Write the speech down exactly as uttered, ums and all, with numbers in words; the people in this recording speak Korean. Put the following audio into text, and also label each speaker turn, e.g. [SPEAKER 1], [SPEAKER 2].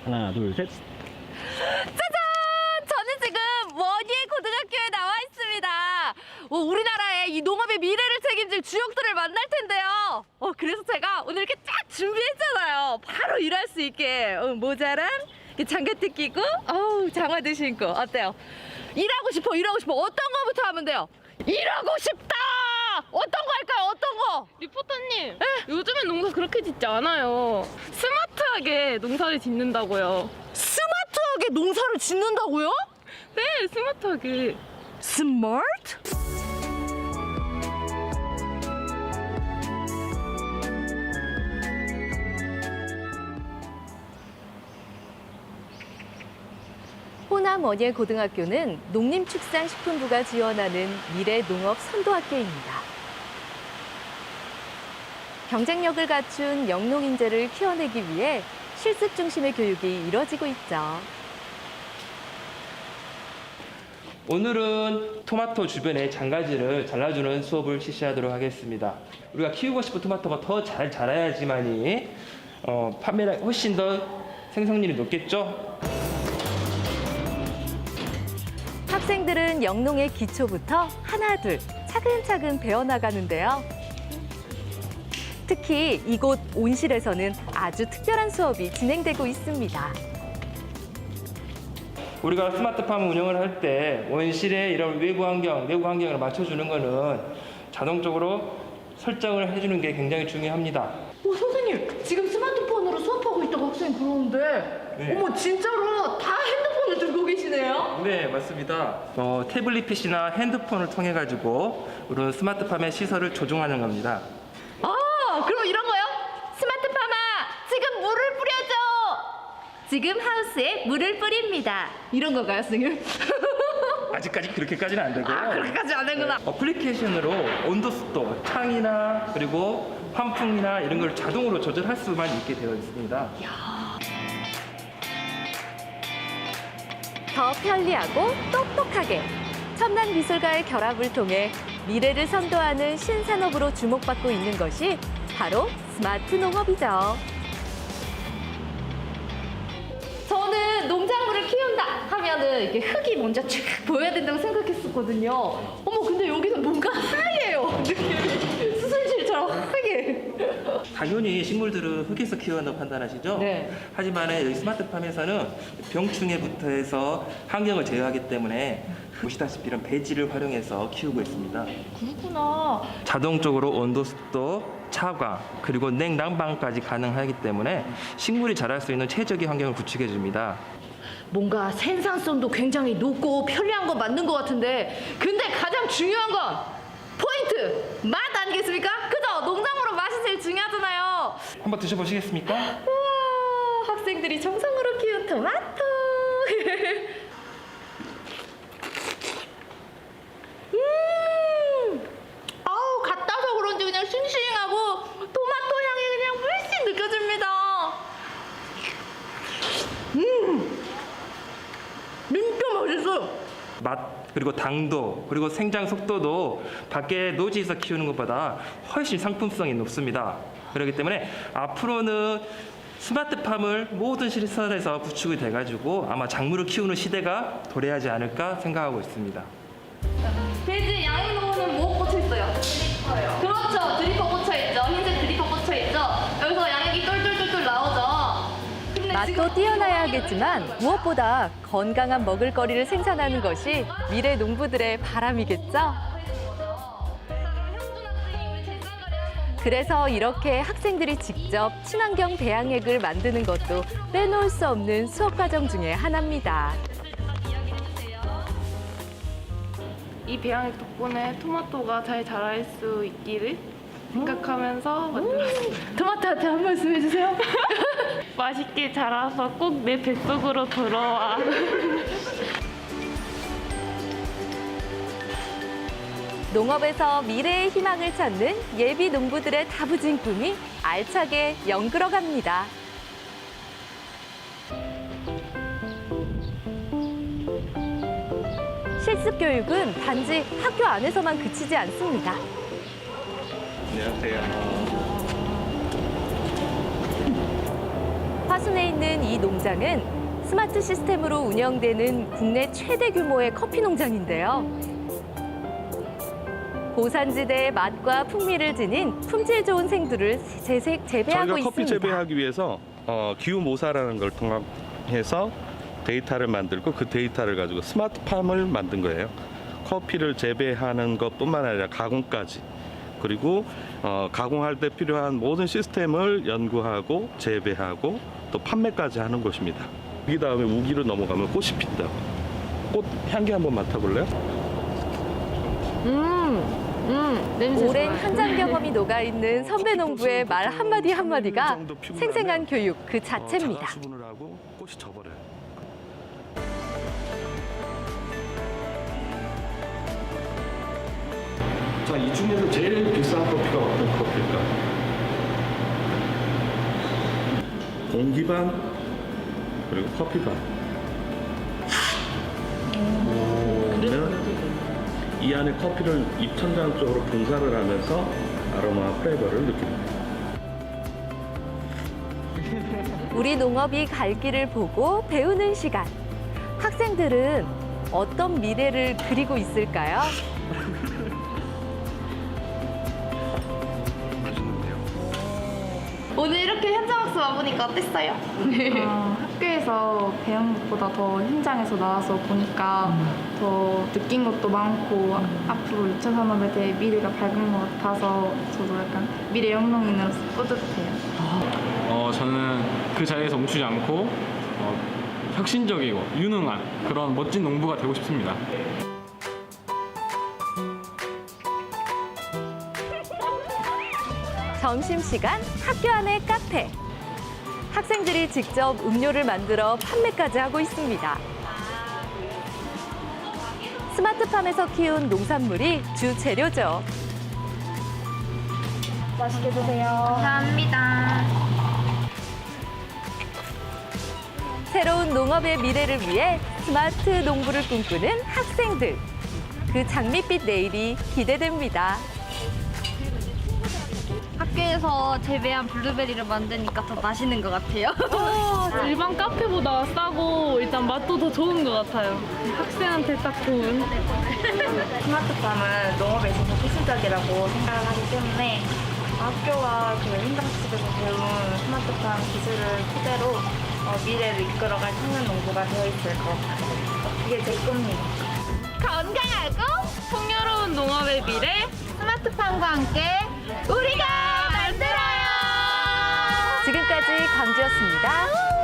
[SPEAKER 1] 하나, 둘, 셋.
[SPEAKER 2] 짜잔! 저는 지금 원예 고등학교에 나와 있습니다. 어, 우리나라의 이 농업의 미래를 책임질 주역들을 만날 텐데요. 어, 그래서 제가 오늘 이렇게 쫙 준비했잖아요. 바로 일할 수 있게. 어, 모자랑 장갑도 끼고, 어우, 장화도 신고. 어때요? 일하고 싶어, 일하고 싶어. 어떤 거부터 하면 돼요? 일하고 싶다! 어떤 거 할까요? 어떤 거?
[SPEAKER 3] 리포터님, 요즘엔 농사 그렇게 짓지 않아요. 스마트하게 농사를 짓는다고요.
[SPEAKER 2] 스마트하게 농사를 짓는다고요?
[SPEAKER 3] 네, 스마트하게.
[SPEAKER 2] 스마트? 호남 원예 고등학교는 농림축산식품부가 지원하는 미래 농업 선도학교입니다. 경쟁력을 갖춘 영농 인재를 키워내기 위해 실습 중심의 교육이 이뤄지고 있죠.
[SPEAKER 4] 오늘은 토마토 주변의 장가지를 잘라주는 수업을 실시하도록 하겠습니다. 우리가 키우고 싶은 토마토가 더 잘 자라야지만이 어, 판매가 훨씬 더 생산률이 높겠죠?
[SPEAKER 2] 학생들은 영농의 기초부터 하나둘 차근차근 배워나가는데요. 특히 이곳 온실에서는 아주 특별한 수업이 진행되고 있습니다.
[SPEAKER 4] 우리가 스마트팜 운영을 할 때 원실의 이런 외부 환경, 내부 환경을 맞춰주는 거는 자동적으로 설정을 해주는 게 굉장히 중요합니다.
[SPEAKER 2] 오, 선생님, 지금 스마트폰으로 수업하고 있다고 학생이 그러는데
[SPEAKER 4] 네.
[SPEAKER 2] 어머, 진짜로 다 핸드폰을 들고 계시네요?
[SPEAKER 4] 네, 맞습니다. 어, 태블릿 피시나 핸드폰을 통해 가지고 이런 스마트팜의 시설을 조종하는 겁니다.
[SPEAKER 2] 아, 그럼 이런 거요? 스마트팜아, 지금 물을 뿌려줘! 지금 하우스에 물을 뿌립니다. 이런 건가요, 선생님?
[SPEAKER 4] 아직까지 그렇게까지는 안 되고요.
[SPEAKER 2] 아, 그렇게까지 안 되구나.
[SPEAKER 4] 어플리케이션으로 온도 습도, 창이나 그리고 환풍이나 이런 걸 자동으로 조절할 수만 있게 되어 있습니다.
[SPEAKER 2] 더 편리하고 똑똑하게 첨단 기술과의 결합을 통해 미래를 선도하는 신산업으로 주목받고 있는 것이 바로 스마트 농업이죠. 저는 농작물을 키운다 하면은 이렇게 흙이 먼저 쫙 보여야 된다고 생각했었거든요. 어머, 근데 여기는 뭔가 하얘요. 느낌이 수술실처럼 하얘.
[SPEAKER 4] 당연히 식물들은 흙에서 키워낸다고 판단하시죠?
[SPEAKER 2] 네.
[SPEAKER 4] 하지만 여기 스마트팜에서는 병충해부터 해서 환경을 제어하기 때문에 보시다시피 이런 배지를 활용해서 키우고 있습니다.
[SPEAKER 2] 그렇구나.
[SPEAKER 4] 자동적으로 온도, 습도, 차광, 그리고 냉난방까지 가능하기 때문에 식물이 자랄 수 있는 최적의 환경을 구축해 줍니다.
[SPEAKER 2] 뭔가 생산성도 굉장히 높고 편리한 건 맞는 것 같은데, 근데 가장 중요한 건 포인트! 맛 아니겠습니까? 그죠? 농작물은 맛이 제일 중요하잖아요.
[SPEAKER 4] 한번 드셔보시겠습니까?
[SPEAKER 2] 우와, 학생들이 정성으로 키운 토마토. 음, 아우, 갓 따서 그런지 그냥 싱싱하고 토마토 향이 그냥 물씬 느껴집니다. 음, 진짜 맛있어요.
[SPEAKER 4] 맛 그리고 당도 그리고 생장 속도도 밖에 노지에서 키우는 것보다 훨씬 상품성이 높습니다. 그렇기 때문에 앞으로는 스마트팜을 모든 시설에서 구축이 돼가지고 아마 작물을 키우는 시대가 도래하지 않을까 생각하고 있습니다.
[SPEAKER 2] 돼지 양육로는 뭐 꽂혀 있어요? 드리퍼요. 그렇죠. 드리퍼 꽂혀 있죠. 흰색 드리퍼 꽂혀 있죠. 여기서 양육이 똘똘똘똘 나오죠. 근데 맛도 뛰어나야 하겠지만 무엇보다 건강한 먹을거리를 생산하는 것이 미래 농부들의 바람이겠죠. 그래서 이렇게 학생들이 직접 친환경 배양액을 만드는 것도 빼놓을 수 없는 수업 과정 중에 하나입니다.
[SPEAKER 3] 이 배양액 덕분에 토마토가 잘 자랄 수 있기를 생각하면서 만들었어요.
[SPEAKER 2] 토마토한테 한 말씀 해주세요.
[SPEAKER 3] 맛있게 자라서 꼭 내 뱃속으로 들어와.
[SPEAKER 2] 농업에서 미래의 희망을 찾는 예비 농부들의 다부진 꿈이 알차게 연그러갑니다. 실습 교육은 단지 학교 안에서만 그치지 않습니다.
[SPEAKER 4] 안녕하세요.
[SPEAKER 2] 화순에 있는 이 농장은 스마트 시스템으로 운영되는 국내 최대 규모의 커피 농장인데요. 고산지대의 맛과 풍미를 지닌 품질 좋은 생두를 재색 재배하고
[SPEAKER 1] 저희가
[SPEAKER 2] 있습니다.
[SPEAKER 1] 커피 재배하기 위해서 어, 기후모사라는 걸 통합해서 데이터를 만들고 그 데이터를 가지고 스마트팜을 만든 거예요. 커피를 재배하는 것뿐만 아니라 가공까지, 그리고 어, 가공할 때 필요한 모든 시스템을 연구하고 재배하고 또 판매까지 하는 곳입니다. 이 다음에 우기로 넘어가면 꽃이 핀다고. 꽃 향기 한번 맡아볼래요?
[SPEAKER 3] 음, 음, 냄새
[SPEAKER 2] 오랜
[SPEAKER 3] 좋아요.
[SPEAKER 2] 현장 경험이 녹아있는 선배 농부의 말 한마디 한마디가 생생한 교육 그
[SPEAKER 1] 어,
[SPEAKER 2] 자체입니다.
[SPEAKER 1] 자가수분을 하고 꽃이 져버려요. 자, 이 중에서 제일 비싼 커피가 어떤 커피일까? 공기 반, 그리고 커피 반. 그러면 이 안에 커피를 입천장 쪽으로 분사를 하면서 아로마 플레이버를 느낍니다.
[SPEAKER 2] 우리 농업이 갈 길을 보고 배우는 시간. 학생들은 어떤 미래를 그리고 있을까요?
[SPEAKER 5] 오늘 이렇게 현장 학습 와보니까 어땠어요?
[SPEAKER 6] 어, 학교에서 배운 것보다 더 현장에서 나와서 보니까 더 느낀 것도 많고 앞으로 이 차 산업에 대해 미래가 밝은 것 같아서 저도 약간 미래 영농인으로서 뿌듯해요.
[SPEAKER 7] 어, 저는 그 자리에서 멈추지 않고 어, 혁신적이고 유능한 그런 멋진 농부가 되고 싶습니다.
[SPEAKER 2] 점심시간 학교 안의 카페. 학생들이 직접 음료를 만들어 판매까지 하고 있습니다. 스마트팜에서 키운 농산물이 주 재료죠.
[SPEAKER 6] 맛있게 드세요.
[SPEAKER 5] 감사합니다.
[SPEAKER 2] 새로운 농업의 미래를 위해 스마트 농부를 꿈꾸는 학생들. 그 장밋빛 내일이 기대됩니다.
[SPEAKER 5] 학교에서 재배한 블루베리를 만드니까 더 맛있는 것 같아요.
[SPEAKER 3] 일반 카페보다 싸고 일단 맛도 더 좋은 것 같아요. 학생한테 딱 좋은.
[SPEAKER 6] 스마트팜은 농업에 있어서 필수적이라고 생각을 하기 때문에 학교와 그 현장학습에서 배운 스마트팜 기술을 토대로 어, 미래를 이끌어갈 청년 농부가 되어 있을 것 같아요. 이게 제 꿈입니다.
[SPEAKER 5] 건강하고
[SPEAKER 3] 풍요로운 농업의 미래.
[SPEAKER 5] 스마트팜과 함께 우리가 만들어요.
[SPEAKER 2] 지금까지 광주였습니다.